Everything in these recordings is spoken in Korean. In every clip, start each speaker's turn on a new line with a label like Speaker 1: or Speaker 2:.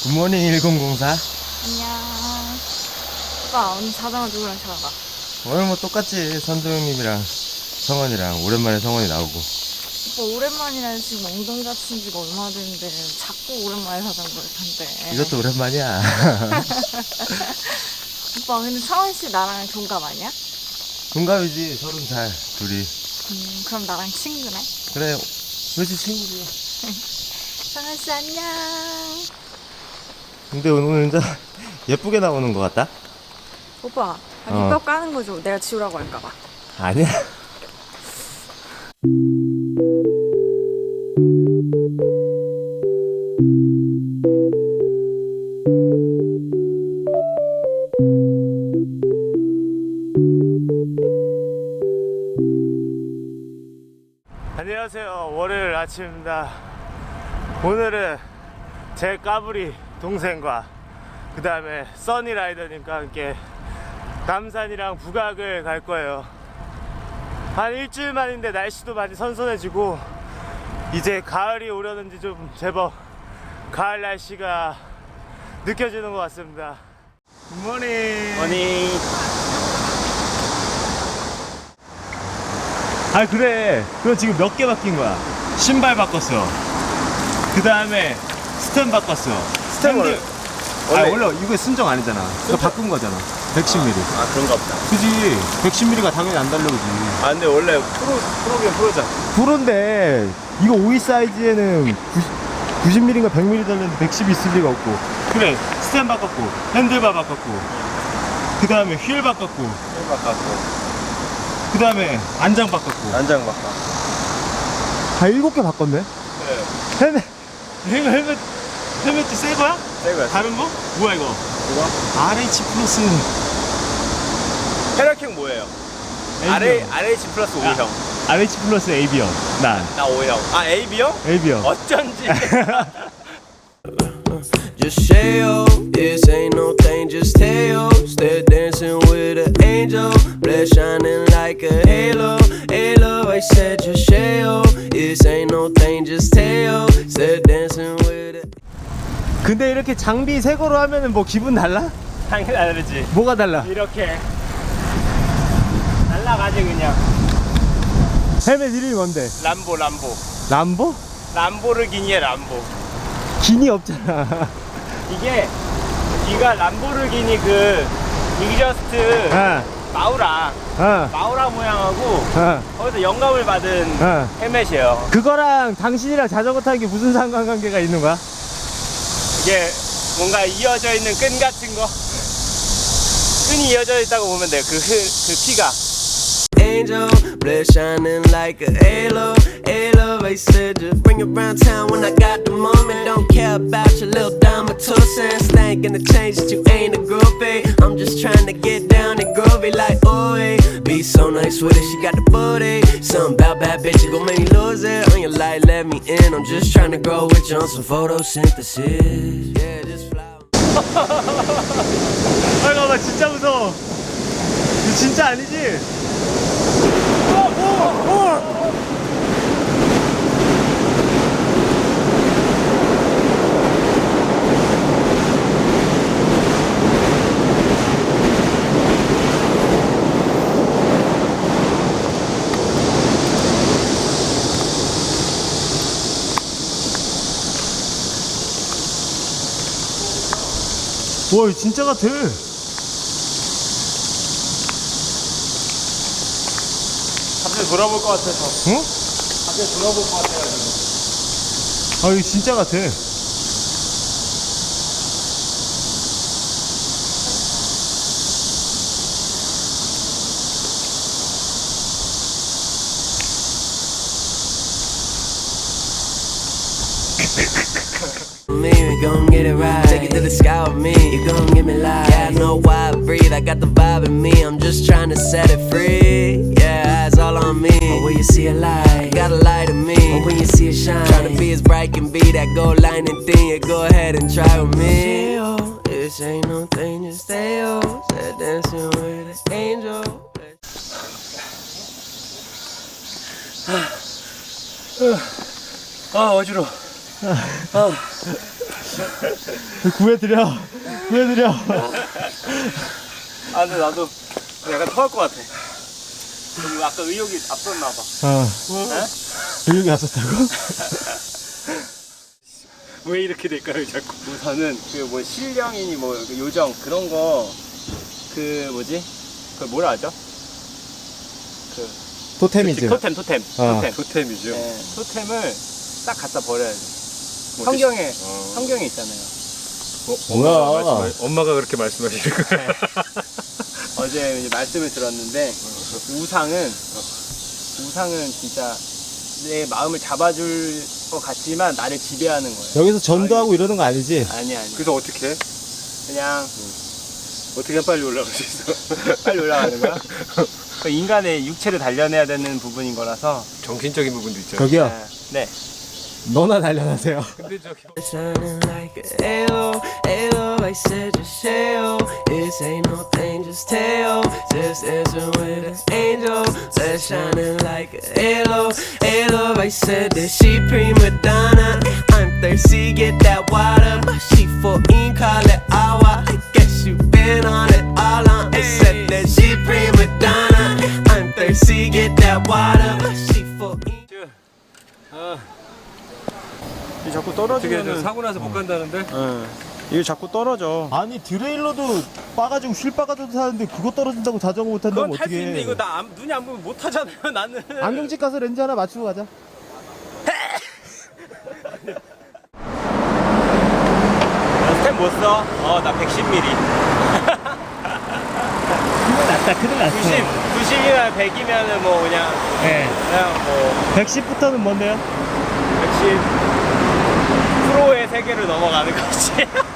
Speaker 1: 굿모닝 1004.
Speaker 2: 안녕. 오빠 오늘 자전거 누구랑 타러 가?
Speaker 1: 오늘 뭐 똑같지. 선도 형님이랑 성원이랑 오랜만에 성원이 나오고.
Speaker 2: 오빠 오랜만이라 지금 엉덩이 다친 지가 얼마나 됐는데 자꾸 오랜만에 자전거를 탄대.
Speaker 1: 이것도 오랜만이야.
Speaker 2: 오빠 근데 성원 씨 나랑 동갑 아니야?
Speaker 1: 동갑이지. 30살 둘이.
Speaker 2: 그럼 나랑 친구네?
Speaker 1: 그래 그렇지 친구지.
Speaker 2: 성원 씨 안녕.
Speaker 1: 근데 오늘 진짜 예쁘게 나오는 것 같다.
Speaker 2: 오빠 밑밥 까는 거 좀 내가 지우라고 할까봐.
Speaker 1: 아니야. 안녕하세요. 월요일 아침입니다. 오늘은 제 까불이 동생과 그 다음에 써니라이더님과 함께 남산이랑 북악을 갈 거예요. 한 일주일 만인데 날씨도 많이 선선해지고 이제 가을이 오려는지 좀 제법 가을 날씨가 느껴지는 것 같습니다. 굿모닝.
Speaker 3: 아니
Speaker 1: 아 그래 그거 지금 몇 개 바뀐 거야. 신발 바꿨어. 그 다음에 스템 바꿨어.
Speaker 3: 스템 원래
Speaker 1: 원래 이거 순정 아니잖아. 이거 바꾼 거잖아. 110mm.
Speaker 3: 아 그런가 보다.
Speaker 1: 그지. 110mm가 당연히 안 달려오지.
Speaker 3: 아 근데 원래 프로긴 프로잖아.
Speaker 1: 프로인데 이거 52 사이즈에는 90mm인가 100mm 달렸는데 110 있을 리가 없고. 그래 스템 바꿨고 핸들바 바꿨고 그 다음에 휠 바꿨고
Speaker 3: 힐 바꿨고
Speaker 1: 그 다음에 안장 바꿨고.
Speaker 3: 안장 바꿔.
Speaker 1: 다 7개 바꿨네.
Speaker 3: 그래.
Speaker 1: 헬멧도 새 거야?
Speaker 3: 새 거야.
Speaker 1: 다른 거? 뭐야 이거?
Speaker 3: 이거?
Speaker 1: RH 플러스
Speaker 3: 헤라킹 뭐예요? RH 플러스 5형.
Speaker 1: RH 플러스 AB형. 난
Speaker 3: 나 5형. 아 AB형?
Speaker 1: AB형.
Speaker 3: 어쩐지.
Speaker 4: Just say yo, this ain't no thing, just tell yo. Still dancing with an angel, blood shining like a halo. Halo, I said just say yo, this ain't no thing, just tell yo. Still dancing with it.
Speaker 1: 근데 이렇게 장비 새 거로 하면은 뭐 기분 달라?
Speaker 3: 당연히 다르지.
Speaker 1: 뭐가 달라?
Speaker 3: 이렇게 날라가지 그냥.
Speaker 1: 헬멧 이름이 뭔데?
Speaker 3: 람보.
Speaker 1: 람보?
Speaker 3: 람보르기니의 람보.
Speaker 1: 기니 없잖아.
Speaker 3: 이게 뒤가 람보르기니 그 이그저스트 마우라 모양하고 거기서 영감을 받은 헬멧이에요.
Speaker 1: 그거랑 당신이랑 자전거 타는 게 무슨 상관관계가 있는 거야?
Speaker 3: 이게 뭔가 이어져 있는 끈 같은 거, 끈이 이어져 있다고 보면 돼요. 그 피가.
Speaker 4: Angel, blood shining like a halo. Halo, I said just bring it around town when I got the moment. Don't care about your little dime or 2 cents. Ain't gonna change that you ain't a groupie. I'm just trying to get down and groovy like ooey. Be so nice with it, she got the booty. Something about bad bitches gon' make me lose it. On your light, let me in. I'm just trying to grow with you on some photosynthesis. Yeah, just fly.
Speaker 1: 아 잠깐만 진짜 무서워. 이거 진짜 아니지? 와 이거 진짜 같아.
Speaker 3: 갑자기 돌아볼 것 같아서.
Speaker 1: 응?
Speaker 3: 갑자기 돌아볼 것 같아가지고.
Speaker 1: 아 이거 진짜 같아.
Speaker 4: Me, we gon' get it right. Take it to the sky with me. You gon' give me life. Yeah, I know why I breathe. I got the vibe in me. I'm just trying to set it free. Yeah, it's all on me. But when you see a light, got a light in me. But when you see it shine, trying to be as bright can be. That gold lining thing, you go ahead and try with me. This ain't no thing, just stay on. Said dancing with an angel.
Speaker 3: 아 어지러워.
Speaker 1: 구해드려. 구해드려.
Speaker 3: 아 근데 나도 약간 토할 것 같아. 좀 아까 의욕이 앞섰나 봐.
Speaker 1: 의욕이 앞섰다고?
Speaker 3: 왜 이렇게 될까요 자꾸? 우선은 그 뭐 신령이니 뭐 요정 그런 거 그 뭐지? 그 뭐라 하죠? 그
Speaker 1: 토템이지.
Speaker 3: 토템.
Speaker 5: 토템이죠.
Speaker 3: 네, 토템을 딱 갖다 버려야 돼. 성경에 있잖아요.
Speaker 1: 뭐야.
Speaker 5: 엄마가 그렇게 말씀하시는 거예요.
Speaker 3: 어제 이제 말씀을 들었는데 우상은 진짜 내 마음을 잡아줄 것 같지만 나를 지배하는 거예요.
Speaker 1: 여기서 전도하고 이러는 거 아니지?
Speaker 3: 아니.
Speaker 5: 그래서 어떻게 해?
Speaker 3: 그냥
Speaker 5: 어떻게 하면 빨리 올라갈 수 있어?
Speaker 3: 빨리 올라가는 거야. 그 인간의 육체를 단련해야 되는 부분인 거라서.
Speaker 5: 정신적인 부분도 있잖아요.
Speaker 1: 저기요.
Speaker 3: 네.
Speaker 1: 너나 단련하세요.
Speaker 5: 근데 저기
Speaker 4: Shining like a halo, halo. I said just shell. This ain't no thing, just tell. Just dancing with an angel. That's shining like a halo, halo. I said that she prima donna. I'm thirsty, get that water. But she 14, call it agua. I guess you been on it all on. I said that she prima donna. I'm thirsty, get that water. But she 14.
Speaker 3: 자꾸
Speaker 5: 어떻게
Speaker 3: 떨어지면은.
Speaker 5: 사고 나서 못 간다는데?
Speaker 3: 이게 자꾸 떨어져.
Speaker 1: 아니 드레일러도 빠가지고 휠 빠가지고 타는데 그거 떨어진다고 자전거 못 탄다면
Speaker 3: 그건 탈 수
Speaker 1: 어떻게
Speaker 3: 있는데
Speaker 1: 해?
Speaker 3: 이거 나 눈이 안 보면 못 하잖아요 나는.
Speaker 1: 안경집 가서 렌즈 하나 맞추고 가자.
Speaker 3: 스텝 못 써? 나 110mm.
Speaker 1: 큰일 났다.
Speaker 3: 90이나 100이면은 뭐 그냥 뭐
Speaker 1: 110부터는 뭔데요?
Speaker 3: 110 프로의 세계를 넘어가는 거지.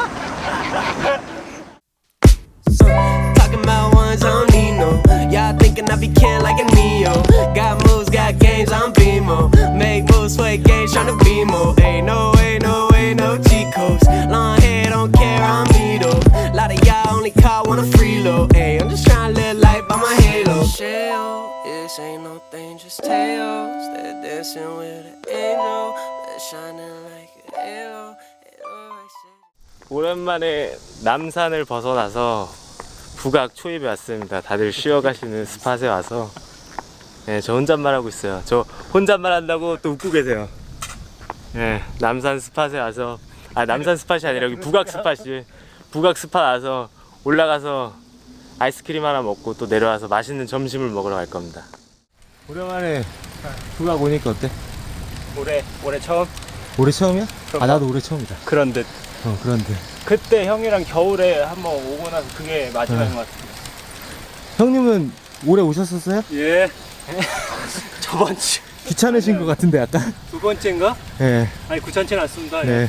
Speaker 4: Talking about ones I don't need no. Y'all thinking I be can like a Neo. Got moves, got games, I'm BMO. Make moves, play games, tryna be more. Ain't no way, no way, no cheat codes. Long hair, don't care, I'm me though. Lot of y'all only call when I'm free low. Ay, I'm just tryna live life by my halo. Shell, this ain't no thing, just tails. They're dancing with an angel. They're shining like a halo. Halo, I said.
Speaker 3: 오랜만에 남산을 벗어나서 북악 초입에 왔습니다. 다들 쉬어가시는 스팟에 와서 저 혼잣말 하고 있어요. 저 혼잣말 한다고 또 웃고 계세요. 남산 스팟에 와서 남산 스팟이 아니라 여기 북악 스팟 와서 올라가서 아이스크림 하나 먹고 또 내려와서 맛있는 점심을 먹으러 갈 겁니다.
Speaker 1: 오랜만에 북악 오니까 어때?
Speaker 3: 올해 처음?
Speaker 1: 올해 처음이야? 나도 올해 처음이다.
Speaker 3: 그런 듯.
Speaker 1: 그런데
Speaker 3: 그때 형이랑 겨울에 한번 오고 나서 그게 마지막인 것 같아요.
Speaker 1: 형님은 올해 오셨었어요?
Speaker 3: 예. 저번 주
Speaker 1: 귀찮으신 것 같은데 약간.
Speaker 3: 두 번째인가?
Speaker 1: 네.
Speaker 3: 아니 귀찮진 않습니다.
Speaker 1: 네.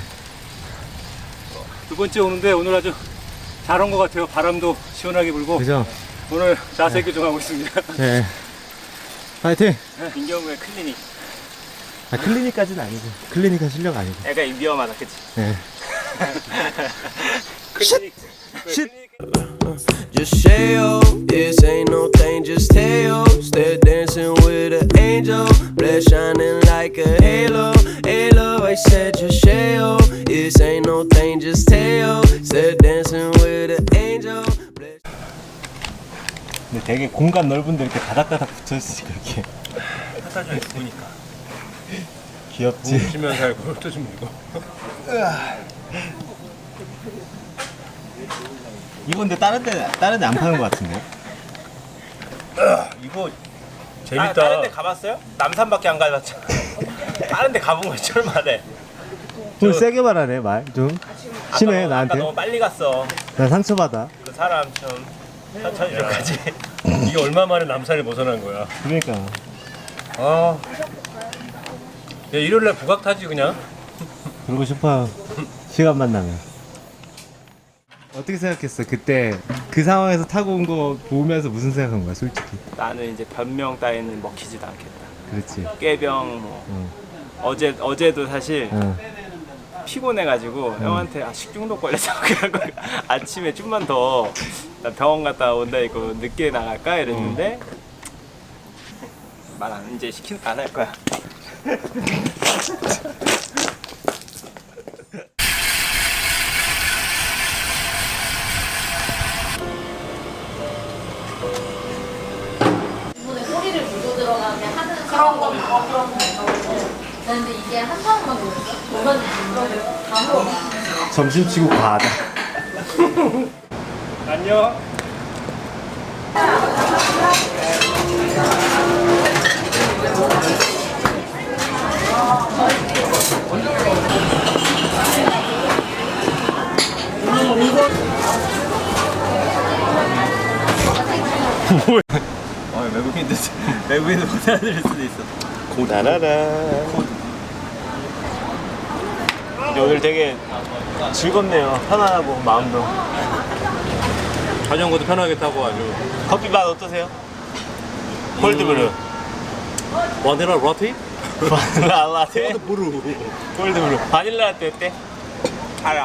Speaker 3: 두 번째 오는데 오늘 아주 잘 온 것 같아요. 바람도 시원하게 불고
Speaker 1: 그죠?
Speaker 3: 오늘 자세 교정하고 있습니다.
Speaker 1: 네. 파이팅.
Speaker 3: 민경우의 클리닉.
Speaker 1: 클리닉까지는 아니고. 클리닉한 실력 아니고.
Speaker 3: 애가 위험하다, 그치?
Speaker 1: 네.
Speaker 3: 클리닉.
Speaker 4: Just shell, this ain't no thing, just tails. They're dancing with an angel, blood shining like a halo. Halo, I said just shell, this ain't no thing, just tails. They're dancing with an angel.
Speaker 1: 근데 되게 공간 넓은데 이렇게 다닥다닥 붙어있으니까 이렇게
Speaker 3: 갖다 줘, 보니까.
Speaker 1: 귀엽지?
Speaker 5: 쉬면 살고 또 좀 이거.
Speaker 1: 이거 근데 다른 데 안 파는 것 같은데?
Speaker 3: 이거
Speaker 5: 재밌다.
Speaker 3: 다른 데 가봤어요? 남산밖에 안 가봤잖아. 다른 데 가본 거 얼마래?
Speaker 1: 좀 세게 말하네 말 좀 심해
Speaker 3: 아까
Speaker 1: 나한테.
Speaker 3: 너무 빨리 갔어.
Speaker 1: 나 상처받아.
Speaker 3: 그 사람 좀 천천히 좀 가지.
Speaker 5: 이게 얼마 만에 남산을 벗어난 거야.
Speaker 1: 그러니까
Speaker 5: 아. 야, 일요일날 북악 타지 그냥.
Speaker 1: 그러고 싶어요. 시간만 나면. 어떻게 생각했어? 그때 그 상황에서 타고 온 거 보면서 무슨 생각한 거야 솔직히?
Speaker 3: 나는 이제 변명 따위는 먹히지도 않겠다.
Speaker 1: 그렇지.
Speaker 3: 꾀병 뭐.
Speaker 1: 응.
Speaker 3: 어제도 사실
Speaker 1: 응.
Speaker 3: 피곤해가지고 형한테 식중독 걸려서 그냥 아침에 좀만 더 나 병원 갔다 온다 이거 늦게 나갈까 이랬는데 말 안 이제 안 할 거야.
Speaker 2: 근데 이게 한 사람만 보였어? 뭐가 다 물어봐.
Speaker 1: 점심 치고 과하다.
Speaker 5: 안녕.
Speaker 1: 외국인들 못 알아들을 수도 있어.
Speaker 3: 나라라. 오늘 되게 즐겁네요. 편안하고 마음도.
Speaker 5: 자전거도 편하게 타고 아주.
Speaker 3: 커피 맛 어떠세요? 콜드브루.
Speaker 5: 바닐라 라떼?
Speaker 3: 바닐라 라떼.
Speaker 5: 콜드브루.
Speaker 3: 콜드브루. 바닐라 라떼 어때? 알아.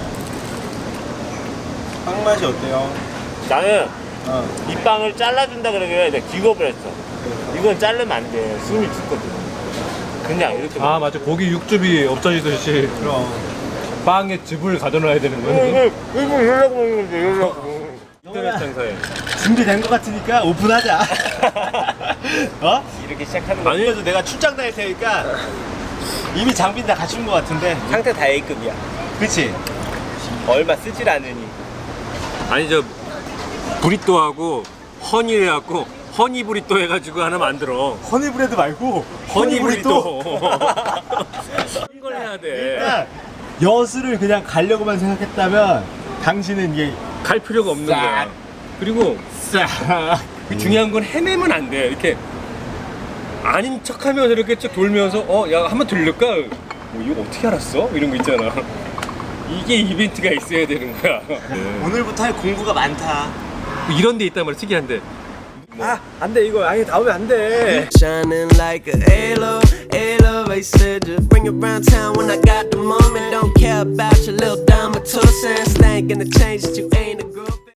Speaker 1: 빵 맛이 어때요?
Speaker 3: 나는 이 빵을 잘라준다 그러길래 내가 기겁을 했어. 이건 자르면 안 돼. 숨이 죽거든. 그냥 이렇게.
Speaker 5: 아 맞아. 고기 육즙이 없어지듯이
Speaker 1: 그럼.
Speaker 5: 빵에 즙을 가둬놔야 되는
Speaker 3: 이거
Speaker 5: 거야.
Speaker 3: 이러려고 먹는 건데 이러려고.
Speaker 5: 인터넷 장사에.
Speaker 1: 준비된 것 같으니까 오픈하자. 어?
Speaker 3: 이렇게 시작하는 거.
Speaker 1: 아니라도 내가 출장 다닐 테니까 이미 장비는 다 갖춘 것 같은데.
Speaker 3: 상태 다 A급이야.
Speaker 1: 그치?
Speaker 3: 얼마 쓰질 않으니.
Speaker 5: 아니 저 브리또하고 허니 해갖고 허니 브리또 해가지고 하나 만들어.
Speaker 1: 허니브레드 말고
Speaker 5: 허니 브리또. 이걸 해야 돼.
Speaker 1: 그러니까 여수를 그냥 가려고만 생각했다면 당신은 이게
Speaker 5: 갈 필요가 없는 거야. 그리고
Speaker 1: 싹
Speaker 5: 중요한 건 헤매면 안 돼. 이렇게 아닌 척하면서 이렇게 쭉 돌면서 야 한번 들릴까? 이거 어떻게 알았어? 이런 거 있잖아. 이게 이벤트가 있어야 되는 거야.
Speaker 1: 오늘부터 할 공부가 많다.
Speaker 5: 이런 데 있단 말이야. 특이한데.
Speaker 1: 안 돼 이거 아예 나오면 안 돼.
Speaker 4: Shining like a halo, halo. They said just bring it round town when I got the moment. Don't care about your little dime or 2 cents. Thinking the change that you ain't a girl.